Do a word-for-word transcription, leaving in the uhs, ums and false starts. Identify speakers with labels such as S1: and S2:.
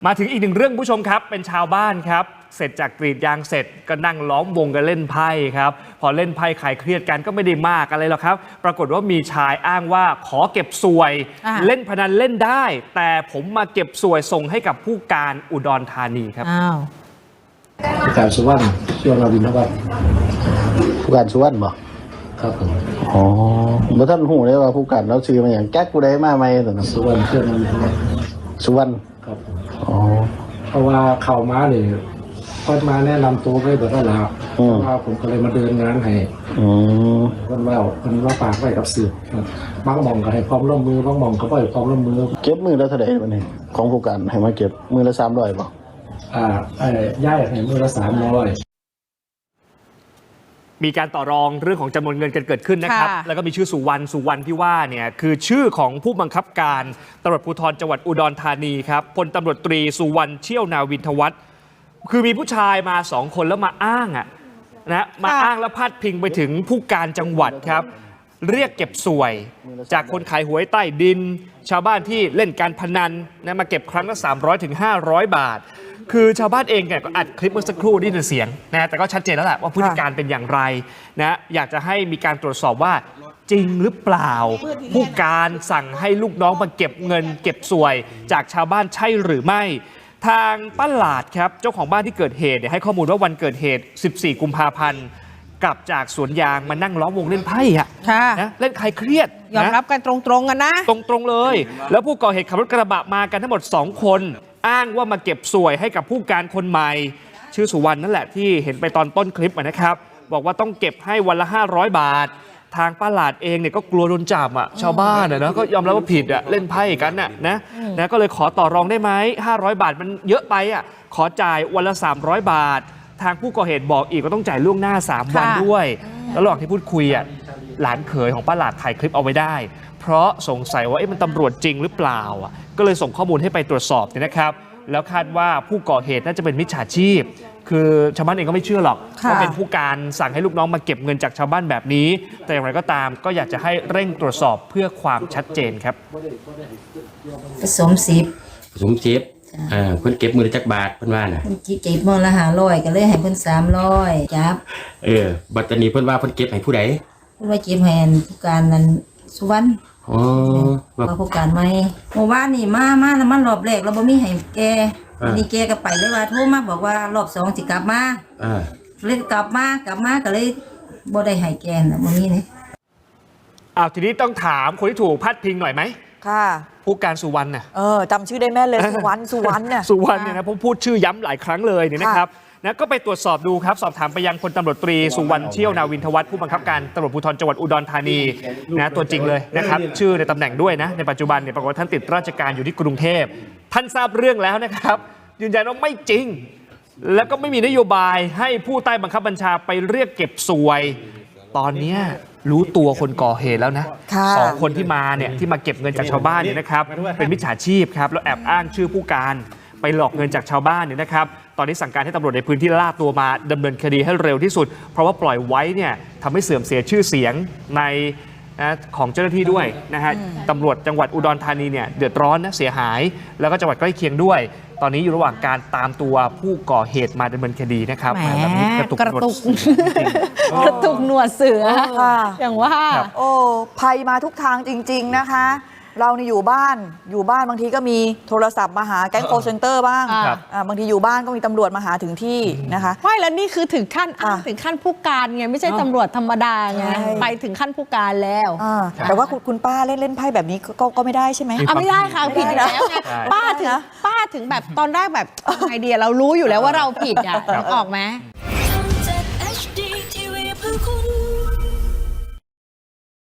S1: มาถึงอีกหนึ่งเรื่องผู้ชมครับเป็นชาวบ้านครับเสร็จจากกรีดยางเสร็จก็นั่งล้อมวงกันเล่นไพ่ครับพอเล่นไพ่คลายเครียดกันก็ไม่ได้มากอะไรหรอกครับปรากฏว่ามีชายอ้างว่าขอเก็บสวยเล่นพนันเล่นได้แต่ผมมาเก็บสวยส่งให้กับผู้การอุดรธานีครับ
S2: อ้าว
S3: ผู้การสุวรรณช่วงเราบินทบาท
S4: ผู้การสุวรรณบ่
S3: ครับผม
S4: อ๋อบ่ท่านหูเลยว่าผู้การเราซื้อมาอย่างแก๊กกูได้มาใหม่ตอนนั้น
S3: สุวรรณช่วงเราบินทบาท
S4: สุวรรณ
S3: ครับ
S4: อ๋อ
S3: เพราะว่าเข้ามาเนี่ยก็มาแนะนำตัวไว้เบิดแล้วเพราะว่าผมก็เลยมาเดินงานให้
S4: อืม
S3: คนว่าคนว่าปากไว้กับสื่อบางหม่องก็ให้พร้อมร่วมมือบางหม่องก็บ่ให้พร้อมร่วมมือ
S4: เก็บมือละเท่าใดบัดนี้ของผู้การให้มาเก็บมือละสามร้อยบ่
S3: อ่าไอ้ย้ายให้มือละสามร้อย
S1: มีการต่อรองเรื่องของจำนวนเงินกันเกิดขึ้นนะครับแล้วก็มีชื่อสุวรรณสุวรรณที่ว่าเนี่ยคือชื่อของผู้บังคับการตำรวจภูธรจังหวัดอุดรธานีครับพลตำรวจตรีสุวรรณเชี่ยวนาวินทวัฒน์คือมีผู้ชายมาสองคนแล้วมาอ้างอ่ะนะมาอ้างแล้วพาดพิงไปถึงผู้การจังหวัดครับเรียกเก็บสวยจากคนขายหวยใต้ดินชาวบ้านที่เล่นการพนันนะมาเก็บครั้งละสามร้อยถึงห้าร้อยบาทคือชาวบ้านเองเนี่ยก็อัดคลิปเมื่อสักครู่ได้ยินเสียงนะแต่ก็ชัดเจนแล้วแหละว่าพฤติการเป็นอย่างไรนะอยากจะให้มีการตรวจสอบว่าจริงหรือเปล่าผู้การสั่งให้ลูกน้องมาเก็บเงินเก็บสวยจากชาวบ้านใช่หรือไม่ทางป้าหลาดครับเจ้าของบ้านที่เกิดเหตุให้ข้อมูลว่าวันเกิดเหตุสิบสี่กุมภาพันธ์กลับจากสวนยางมานั่งล้อมวงเล่นไพ่อะนะเล่นคลายเครียด
S2: ยอมรับกันตรงๆกันนะ
S1: ตรงๆเลยแล้วผู้ก่อเหตุขับรถกระบะมากันทั้งหมดสองคนอ้างว่ามาเก็บสวยให้กับผู้การคนใหม่ชื่อสุวรรณนั่นแหละที่เห็นไปตอนต้นคลิปนะครับบอกว่าต้องเก็บให้วันละห้าร้อยบาททางป้าหลาดเองเนี่ยก็กลัวโดนจับอ่ะชาวบ้านอ่ะนะก็ยอมรับว่าผิดอ่ะเล่นไพ่กันน่ะนะนะก็เลยขอต่อรองได้ไหมห้าร้อยบาทมันเยอะไปอ่ะขอจ่ายวันละสามร้อยบาททางผู้ก่อเหตุบอกอีกว่าต้องจ่ายล่วงหน้าสามวันด้วยแล้วระหว่างที่พูดคุยอ่ะหลานเขยของป้าหลาดถ่ายคลิปเอาไว้ได้เพราะสงสัยว่าเอ๊ะมันตำรวจจริงหรือเปล่าอ่ะก็เลยส่งข้อมูลให้ไปตรวจสอบเนี่ยนะครับแล้วคาดว่าผู้ก่อเหตุน่าจะเป็นมิจฉาชีพคือชาวบ้านเองก็ไม่เชื่อหรอกว่าเป็นผู้การสั่งให้ลูกน้องมาเก็บเงินจากชาวบ้านแบบนี้แต่อย่างไรก็ตามก็อยากจะให้เร่งตรวจสอบเพื่อความชัดเจนครับ
S5: ผสมสิบ
S6: ผสมสิบอ่าเพิ่นเก็บมือจักบาทเพิ่นว่าน่ะ
S5: เพิ่นเก็บมือละห้าร้อยก็เลยให้เพิ่นสามร้อยจับ
S6: เออบัดนี้เพิ่นว่าเพิ่นเก็บให้ผู้ใด
S5: เพิ่นว่าเก็บให้ผู้การนั้นสุวรรณ
S6: อ๋อ
S5: ว่าผู้การใหม่เมื่อวานนี่มามาแล้วมันรอบแรกเราบ่มีให้แกนี่แกก็ไปเลยว่าโทรมาบอกว่ารอบสองสิกลับมา
S6: อ่า
S5: เลยกลับมากลับมาก็เลยบ่ได้ให้แกน่ะบ่มีนี่
S1: อ้าวทีนี้ต้องถามคนที่ถูกพาดพิงหน่อยไหม
S2: ค่ะ
S1: ผู้การสุวรรณน่ะ
S2: เออจำชื่อได้แม่เลยสุวรรณสุวรรณเนี่ย
S1: สุวรรณเนี่ยนะผมพูดชื่อย้ำหลายครั้งเลยเนี่ยนะครับนะก็ไปตรวจสอบดูครับสอบถามไปยังพลตำรวจตรีสุวรรณเชี่ยวนาวินทวัฒน์ผู้บังคับการตำรวจภูธรจังหวัดอุดรธานีนะตัวจริงเลยนะครับชื่อในตำแหน่งด้วยนะในปัจจุบันเนี่ยปรากฏว่าท่านติดราชการอยู่ที่กรุงเทพท่านทราบเรื่องแล้วนะครับยืนยันว่าไม่จริงแล้วก็ไม่มีนโยบายให้ผู้ใต้บังคับบัญชาไปเรียกเก็บสวยตอนนี้รู้ตัวคนก่อเหตุแล้วนะสองคนที่มาเนี่ยที่มาเก็บเงินจากชาวบ้านเนี่ยนะครับเป็นมิจฉาชีพครับแล้วแอบอ้างชื่อผู้การไปหลอกเงินจากชาวบ้านเนี่ยนะครับตอนนี้สั่งการให้ตำรวจในพื้นที่ล่าตัวมาดำเนินคดีให้เร็วที่สุดเพราะว่าปล่อยไว้เนี่ยทำให้เสื่อมเสียชื่อเสียงในนะของเจ้าหน้าที่ด้วยนะฮะตำรวจจังหวัดอุดรธานีเนี่ยเดือดร้อนนะเสียหายแล้วก็จังหวัดใกล้เคียงด้วยตอนนี้อยู่ระหว่างการตามตัวผู้ก่อเหตุมาดำเนินคดีนะครับ
S2: แบบนี้กระตุกกระตุกกระตุกหนวดเสืออย่างว่า
S7: โอ้ภัยมาทุกทางจริงๆนะคะเรานี่อยู่บ้านอยู่บ้านบางทีก็มีโทรศัพท์มาหาแก๊งโคเซ็นเตอร์บ้างบางทีอยู่บ้านก็มีตำรวจมาหาถึงที่นะคะ
S2: ไม่แล้วนี่คือถึงขั้นถึงขั้นผู้การไงไม่ใช่ตำรวจธรรมดาไงไปถึงขั้นผู้การแล้ว
S7: แต่ว่าคุณป้าเล่นเล่นไพ่แบบนี้ก็ก็ไม่ได้ใช่ไหม
S2: ไม่ได้ค่ะผิดอยู่แล้วไงป้าถึงป้าถึงแบบตอนแรกแบบไอเดียเรารู้อยู่แล้วว่าเราผิดอ่ะออกไหม